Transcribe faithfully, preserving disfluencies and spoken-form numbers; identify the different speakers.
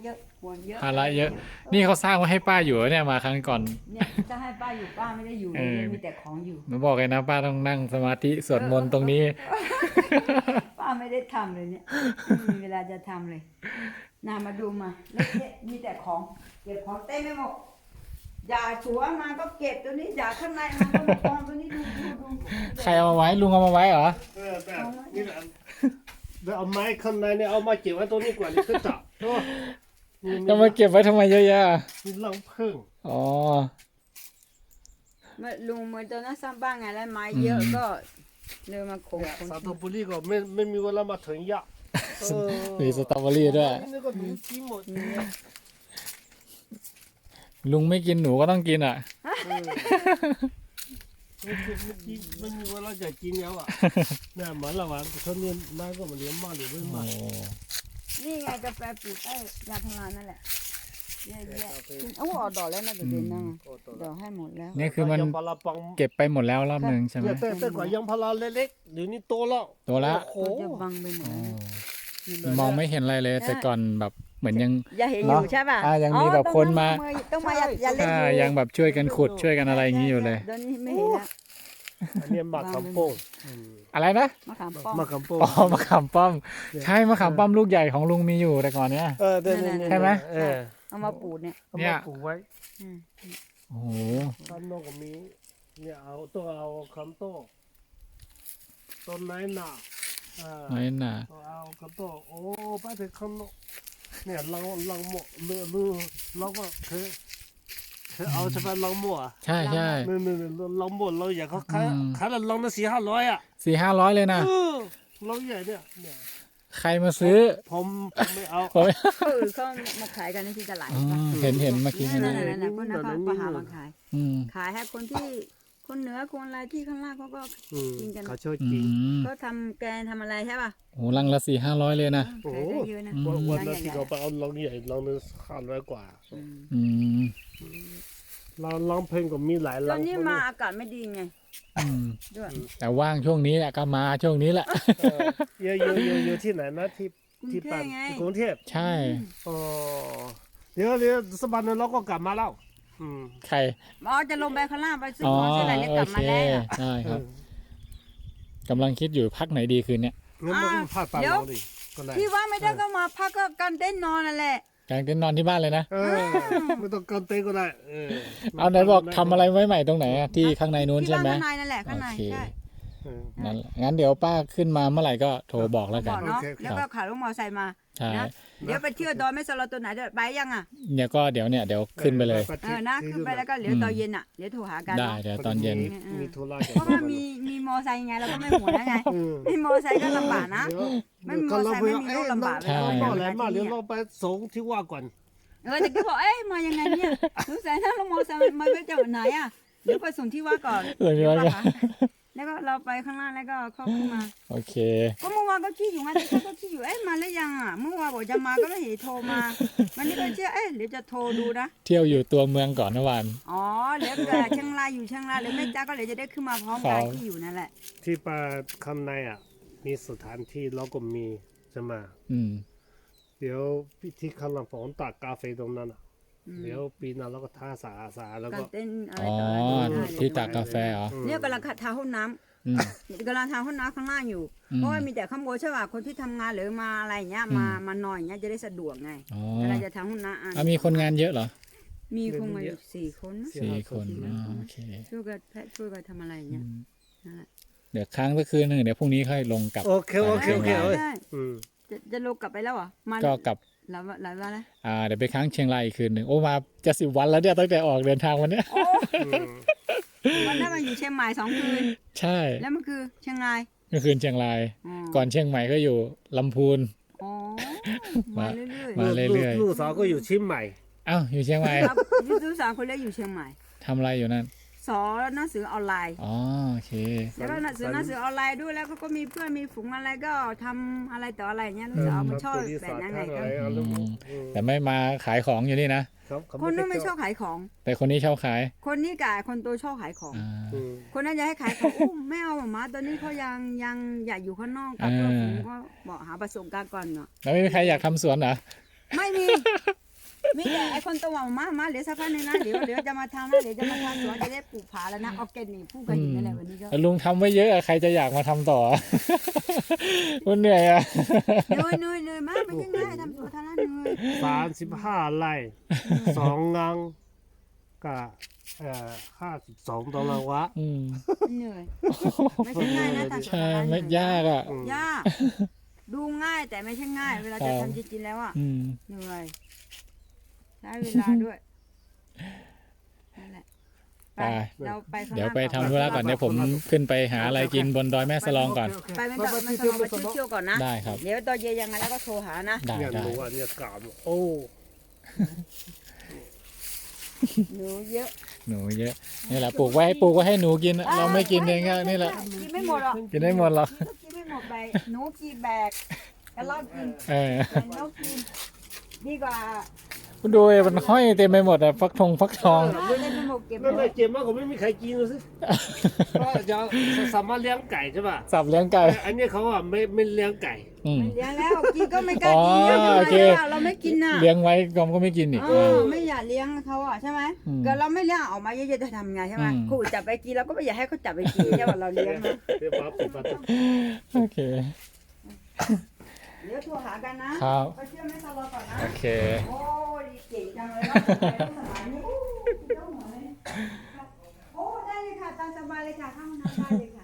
Speaker 1: เยอะห่วงเยอะ
Speaker 2: ภาระเยอะ นี่เขาสร้างไว้ให้ป้าอยู่เนี่ยมาครั้งก่อน
Speaker 1: เนี่ยจะให้ป้าอยู่ป้าไม่ได้อยู่เลยมีแต่ของอยู่
Speaker 2: หนูบอกเลยนะป้าต้องนั่งสมาธิสวดมนต์ตรงนี้
Speaker 1: ป้าไม่ได้ทำเลยเนี่ยไม่มีเวลาจะทำเลยนามาดูมาเละๆมีแต่ของเก็บของเต็มไปหมดอย่าสวนมาก็เก็บตัวนี้อย่าข้างในมันก็มากองตัวนี้ดูดูดู
Speaker 2: ใครเอามาไว้ลุงเอามาไว้เหรอ
Speaker 3: เออแต่นี่แหละแล้วเอาไม้ข้างในเนี่ยเอามาเก็บไว้ตรงนี้ก่อนนี่คือจับโอ้นี่
Speaker 2: จะมาเก็บไว้ทำไมเยอะแยะ
Speaker 3: นี่ลังพึ่ง
Speaker 2: อ๋อ
Speaker 1: มาลุงเหมือนตอนนั้นสร้างบ้านไงแล้วไม้เยอะก็เลยมาขง
Speaker 3: เนี่ย
Speaker 1: ขง
Speaker 3: สาตบุรีก็ไม่ไม่มีเวลามาถึงยะเออ
Speaker 2: มีสตรอเบอรี่ด้วย
Speaker 3: นี่ก็มีกินหมด
Speaker 2: ลุงไม่กินหนูก็ต้องกินอ่ะ
Speaker 3: เออไม่กินไม่กินไม่มีเวลาจะกินแล้วอ่ะเนี่ยเหมือนเราอ่ะเขาเรียนมาก็มาเรียนมากหรือไม่
Speaker 2: โอ้
Speaker 3: มาก
Speaker 1: นี่ไงกาแฟปลูกไอ้ยาพารานั่นแหละเยอะแยะโอ้ออกดอกแล้วนะเดี๋ยวเดือนหน้าดอกให้หมดแล้ว
Speaker 2: นี่คือมัน
Speaker 3: ยังพาราปัง
Speaker 2: เก็บไปหมดแล้วรอบหนึ่งใช่ไหม
Speaker 3: เนี่ยแต่แต่กว่ายังพาราเล็กๆเดี๋ยวนี้โตแล้ว
Speaker 2: โตแล้ว
Speaker 3: โอ้โห
Speaker 1: จะบังไปหมด
Speaker 2: อ๋อ
Speaker 1: แล้ว
Speaker 2: มองไม่เห็นอะไรเลย แต่ก่อนแบบเหมือนยัง
Speaker 1: อย่าเห็นอยู่ใช่ป่ะ
Speaker 2: อ่ายังมีแบบคนมา
Speaker 1: ต้องมาอย่าอย่าเล่น
Speaker 2: อ่า
Speaker 1: อยู่
Speaker 2: ยังแบบช่วยกันขุดช่วยกันอะไรอย่างนี้อยู่เลย
Speaker 1: เดี๋ยวนี้ไม่เห็นแล้ว
Speaker 3: อันนี้หมากคำโป้ง
Speaker 2: อะไรนะ
Speaker 1: มะขามป้อม
Speaker 3: หมากคำโป้ง
Speaker 2: อ๋อมะขามป้อม ใช่มะขามป้อมลูกใหญ่ของลุงมีอยู่แต่ก่อนเนี้ย
Speaker 3: เออเดี๋ยว
Speaker 2: ใช่ไหม
Speaker 3: เออ
Speaker 1: เอามาปลูกเนี่ย
Speaker 3: เอา
Speaker 2: เนี่
Speaker 3: มาย ปลูกไว้
Speaker 1: อืม
Speaker 2: โอ้โห
Speaker 3: บ้านนอกก็มีเนี่ยเอาต้องเอาคำโต้ต้นไม้หนาอ่า
Speaker 2: น้อยหนา
Speaker 3: เอาคำโต้โอ้ไปถึงคำโนเนี่ยลังลังหมดเลือลือเราก็เคยเคยเอาใช่ไหมลังหมดอ่ะ
Speaker 2: ใช่ใช่
Speaker 3: นี่นี่นี่ลังหมดเราอยากเขาขาย
Speaker 2: อืม
Speaker 3: ขายละลังละสี่ห้าร้อยอ่ะ
Speaker 2: สี่ห้าร้อยเลยนะ
Speaker 3: เออเราใหญ่เนี่ยเนี่ย
Speaker 2: ใครมาซื้อ
Speaker 3: ผมผมไม่เอา
Speaker 2: ผม
Speaker 1: เออเขามาขายกันที่ตลาด
Speaker 2: อืมเห็นเห็นเมื่อกี้
Speaker 1: นั่น
Speaker 2: นะ
Speaker 1: นั่นนั่นคนนั้นเขาหามาขาย
Speaker 2: อืม
Speaker 1: ขายให้คนที่คนเหนือคนอะไรที่ข้างล่างเขาก็
Speaker 3: อืม
Speaker 1: กินกัน
Speaker 3: เขาช่วย
Speaker 2: อื
Speaker 3: กิน
Speaker 2: ม
Speaker 1: เขาทำแกงทำอะไรใช่ป่ะ
Speaker 2: โอ้ลังละสี่ห้าร้อยเลยนะ
Speaker 1: ขายได้เยอะนะ
Speaker 2: อืม
Speaker 3: วันวันนั้น
Speaker 1: ใหญ่ๆ
Speaker 3: ที่เขาไปเอาลังใหญ่ลังนึงห้าร้อยกว่า
Speaker 1: อืม
Speaker 2: อืม
Speaker 3: ลังลังเพลงก็มีหลาย
Speaker 1: ต
Speaker 3: ลั
Speaker 1: อง นนี้มาอากาศไม่ดีไง
Speaker 2: อืม
Speaker 1: ด้วย
Speaker 2: แต่ว่างช่วงนี้แหละก็มาช่วงนี้แหละ
Speaker 3: เอออยู่อยู่อยู่อยู่ที่ไหนนะที่
Speaker 1: กรุง
Speaker 3: ที่
Speaker 1: เท
Speaker 3: ปั
Speaker 1: พ
Speaker 3: น
Speaker 1: ไง
Speaker 3: กรุงเทพ
Speaker 2: ใช่
Speaker 3: อ๋อเดี๋ยวเดี๋ยวสักวันหนึงเราก็กลับมาแล้วอืม
Speaker 2: ใคร
Speaker 1: อ๋อจะลงไปข้างล่างไปซื้อ
Speaker 2: อ๋อ
Speaker 1: ของซื้ออะไรเนี่ย
Speaker 2: โอก
Speaker 1: ลับ
Speaker 2: เค
Speaker 1: มาแล้ว
Speaker 2: ใช่ครับกำลังคิดอยู่พักไหนดีคืนเนี้ย
Speaker 3: งั้นมันก็พาดปากเราดิก็ได้
Speaker 1: ที่ว่าไม่ได้ก็มาพักก็กันเต้นนอนนั่นแหละ
Speaker 2: กางเต็นท์นอนที่บ้านเลยนะ
Speaker 3: เออไม่ต้องกันเต้นก็ได้เออ
Speaker 2: เอาไหนบอกทำอะไรไว้ใหม่ตรงไหนอะที่ข้างในนู้น
Speaker 1: ที่
Speaker 2: ใช่
Speaker 1: บ้าน
Speaker 2: ไหม
Speaker 1: ข้างในนั่นแหละข้างใน
Speaker 2: โอเค
Speaker 1: ใช่
Speaker 3: เออ
Speaker 2: งั้นงั้นเดี๋ยวป้าขึ้นมาเมื่อไหร่ก็โทรบอกแล้ว
Speaker 1: บ
Speaker 2: กั
Speaker 1: อน กเนาะ
Speaker 3: โอเคครับ
Speaker 1: แล้วก็ขายรถมอเตอร์ไซค์มา
Speaker 2: ใช่
Speaker 1: นะเดี๋ยวไปเที่ยวดอยแม่สลอตัวไหนเดี๋ยวไปยังอ่ะ
Speaker 2: เนี่ยก็เดี๋ยวเนี่ยเดี๋ยวขึ้นไปเลย
Speaker 1: เออนะขึ้นไปแล้วก็เดี๋ยวตอนเย็นอ่ะเดี๋ยวโทรหากัน
Speaker 2: ได้
Speaker 1: เนาะ
Speaker 2: เดี๋ยวตอนเย็น
Speaker 3: มีธุระ
Speaker 1: เพราะว่ามีมีมอไซค์ไงเราก็ไม่ห่วงแล้วไง
Speaker 3: อืม
Speaker 1: มีมอไซค์ก็ลำบากนะ
Speaker 3: เดี๋ยว
Speaker 1: ไม่มีมอไซค์ไม่มีรถลำบาก
Speaker 2: ใช่
Speaker 3: ก็แล้วมาเดี๋ยวเราไปส่งที่ว่าก่อน
Speaker 1: เออแต่ก็บอกเอ๊ะมายังไงเนี่ยสงสัยถ้ารถมอไซค์มาไปจากไหนอ่ะเดี๋ยวไปส่งที่ว่าก่อน
Speaker 2: เออที่ว่าก่อน
Speaker 1: แล้วก็เราไปข้างล่างแล้วก็เข้าขึ้นมา
Speaker 2: โอเค
Speaker 1: ก็เมื่อวานก็คิดอยู่ไงแต่ก็คิดอยู่เอ๊ะมาแล้วยังอ่ะเมื่อวานบอกจะมาก็ไม่เห็นโทรมาวันนี้ก็เชื่อเอ๊ะเดี๋ยวจะโทรดูนะ
Speaker 2: เที่ยวอยู่ตัวเมืองก่อนเมื่อวาน
Speaker 1: อ๋อเดี๋ยวเกิดเชียงรายอยู่เชียงรายหรือแม่จ้าก็เดี๋ยวจะได้ขึ้นมาพร้อมกัน
Speaker 2: ครับ
Speaker 1: ที่อยู่นั่นแหละ
Speaker 3: ที่ป่าคำในอ่ะ มีสถานที่เราก็มีใช่ไหม
Speaker 2: อืม
Speaker 3: เดี๋ยวที่ข้างหลังผมตักกาแฟตรงนั้นอ่ะ
Speaker 1: อืม
Speaker 3: เดี๋ยวปีหนั้นเราก็ท่าสาสาแล้ว
Speaker 1: การ
Speaker 3: ก็
Speaker 1: เต้นอะไร
Speaker 2: อ๋อ
Speaker 1: ต่ออะไรได้เลย
Speaker 2: ที่ตากกาแฟเหรอ
Speaker 3: อืม
Speaker 1: เนี่ยกำลังทาห้องน้
Speaker 2: อืม
Speaker 1: ำกำลังทาห้องน้ำข้างล่างอยู่
Speaker 2: อืม
Speaker 1: เพราะว่ามีแต่ข้างบนใช่ป่ะคนที่ทำงานหรือมาอะไรอย่างเงี้ยมา
Speaker 2: อืม
Speaker 1: มานอนอย่างเงี้ยจะได้สะดวกไง
Speaker 2: อ๋อ
Speaker 1: เวลาจะทำห้องน้ำอ่ะ
Speaker 2: อ่ะมีคนงานเยอะเหรอ
Speaker 1: มีคงมาอยู่สี่คนนะ
Speaker 2: สี่คนอ๋อโอเค
Speaker 1: ช่วยกันแพะช่วยกันทำอะไรอย่างเงี้ยนั่นแหละ
Speaker 2: เดี๋ยวค้างสักคืนหนึ่งเดี๋ยวพรุ่งนี้ค่อยลงกลับ
Speaker 3: โอเคโอเคโอเค
Speaker 1: ได้
Speaker 3: เอ้ย
Speaker 1: ได้
Speaker 3: อืม
Speaker 1: จะจะลงกลับไปแล้วเหรอมา
Speaker 2: ก็กลับ
Speaker 1: หลายวันหลายวันแล้ว
Speaker 2: อ่าเดี๋ยวไปค้างเชียงรายอีกคืนหนึ่งโอ้มาจะสิบวันแล้วเนี่ยตั้งแต่ออกเดินทางวันเนี้ย
Speaker 1: โอ้
Speaker 3: อืม
Speaker 1: วันนั้นมันอยู่เชียงใหม่สองคืน
Speaker 2: ใช่
Speaker 1: แล้วมันคือเชียงราย
Speaker 2: เมื่อคืนเชียงราย
Speaker 1: อ๋อ
Speaker 2: ก่อนเชียงใหม่ก็อยู่ลำพูน
Speaker 1: อ๋อมาเรื่อยๆ
Speaker 2: มา เรื่อยๆ
Speaker 3: ลูกสาวก็อยู่เชิ้นใหม่
Speaker 2: เอ้าอยู่เชียงใหม่
Speaker 1: ครับยูทูบสามคนเล็กอยู่เชียงใหม่
Speaker 2: ทำอะไรอยู่นั่น
Speaker 1: สอนหนังสือออนไลน์
Speaker 2: อ๋อโอเค
Speaker 1: แล้วก็หนังสือหนังสือออนไลน์ด้วยแล้วเขาก็มีเพื่อนมีฝูงอะไรก็ทำอะไรต่ออะไรเงี้ยลูกสาวมันชอบแบบนั้นไงก็
Speaker 2: อืม แต่ไม่มาขายของอยู่นี่นะ
Speaker 3: ครับเขา
Speaker 1: คนนู้น
Speaker 3: ด้
Speaker 1: ไม่ชอบขายของ
Speaker 2: แต่คนนี้ชอบขาย
Speaker 1: คนนี้กับคนโตชอบขายของ
Speaker 2: อ่า
Speaker 3: อืม
Speaker 1: คนนั้นจะให้ขายของอุ้มไม่เอาหมาตอนนี้เขายังยังอยากอยู่ข้างนอกกับเพื่อนฝูงก็บอกหาประสบการณ์ก่อนเนาะ
Speaker 2: แล้วไม่มีใครอยากทำสวนเหรอ
Speaker 1: ไม่มีคนตัวมามาเดี๋ยวสักพักหนึงนะเดี๋ยวเดี๋ยวจะมาทำนะเดี๋ยวจะมาทำสวนจะได้ปลูกผาแล้วนะออร์แกนิกพูดกันอยู่นั่นแหละวันนี้ก็
Speaker 2: แล้วลุงทำไว้เยอะอะใครจะอยากมาทำต่อ มันเหนื่อยอะ
Speaker 1: เหนื่อยเหนื่อยเหนื่อยมากไม่ใช่ง่ายทำสวนทำนั้นเหนื่อย
Speaker 3: สามสิบห้าไร่สองงังกับเอ่อห้าสิบสองตารางวา
Speaker 2: อืม
Speaker 1: เหนื่อยไม่ใช่ง่ายนะทำสวน
Speaker 2: ใช่
Speaker 1: ทำนั้น
Speaker 2: ไม่ยากอ่ะ
Speaker 3: อืม
Speaker 1: ยากดูง่ายแต่ไม่ใช่ง่าย เวลาจะทำจริงๆแล้วอ่ะ
Speaker 2: อืม
Speaker 1: เหนื่อยใช้เวลาด้วยนั่นแหละไป
Speaker 2: ไป
Speaker 1: เราไปข้างห
Speaker 2: เดี๋ยว
Speaker 1: น้า
Speaker 2: ไป
Speaker 1: ก่อน
Speaker 2: ทำธุระก่อนเดี๋ยวผมขึ้นไปหาอะไรกินบนดอยแม่สลองก่อน
Speaker 3: โเค
Speaker 1: ไปไม่
Speaker 3: โอ
Speaker 1: ต้อง
Speaker 3: เค
Speaker 1: ไม่
Speaker 3: ไป
Speaker 1: ต้อง
Speaker 3: ไป
Speaker 1: มา
Speaker 3: ไป
Speaker 1: เที่ยวๆก่อนนะ
Speaker 2: ได้ครับ
Speaker 1: เดี๋ยวตอนเย็นยังไงแล้วก็โทรหานะ
Speaker 2: ได้
Speaker 3: เนี่ย
Speaker 2: ได้
Speaker 3: หนูอันเนี้ยกามโอ้
Speaker 1: หนูเยอะ
Speaker 2: หนูเยอะนี่แหละปลูกไว้ให้ปลูกไว้ให้หนูกิน เราไม่กินเองก็นี่แหละ
Speaker 1: กินไม่หมดหรอก
Speaker 2: กินได้หมดหรอก
Speaker 1: กินไม่หมดไปหนูกี่แบกกระรอกกิน
Speaker 2: เออ
Speaker 1: แต่นกกินดีกว่า
Speaker 2: คุณดูมันห้อยเต็มไปหมดอะฟักทองฟักทอง
Speaker 1: ไม่ได้ไปหมดเก็บ
Speaker 3: นั่นแหละเจ็บมากกว่าไม่มีใครกินเลยสิก็จะสามารถเลี้ยงไก่ใช่ป่ะ
Speaker 2: สับเลี้ยงไก่
Speaker 3: อันนี้เขาอ่ะไม่ไม่เลี้ยงไก่
Speaker 2: อืม
Speaker 1: ไม่เลี้ยงแล้วกินก็ไม่กล้ากิน
Speaker 2: อ๋อ
Speaker 1: เยอะ
Speaker 2: โอเค
Speaker 1: ทำไมล่ะเราไม่กินน่ะ
Speaker 2: เลี้ยงไว้กอมก็ไม่กินอีก
Speaker 1: เออไม่อยากเลี้ยงเขาอ่ะใช่ไหม
Speaker 2: อืม
Speaker 1: เกิดเราไม่เลี้ยงออกมาเยอะๆจะทำไงใช่ไหม
Speaker 2: อืม
Speaker 1: ครูจับไปกินเราก็ไม่อยากให้เขาจับไปกินใช่ป่ะเราเลี้ยงนะ
Speaker 3: เรียกว่าปกติ
Speaker 2: โอเค
Speaker 1: เดี๋ยวโทรหากันนะครับ ไปเชื่อไม่ตลอดก่อนนะ
Speaker 2: โอเค
Speaker 1: โอ้ยเก่งจังเลยว่าสมัยนี้โอ้ยเจ้าหมวยโอ้ได้เลยค่ะตามสบายเลยค่ะเข้าห้องน้ำได้เลยค่ะ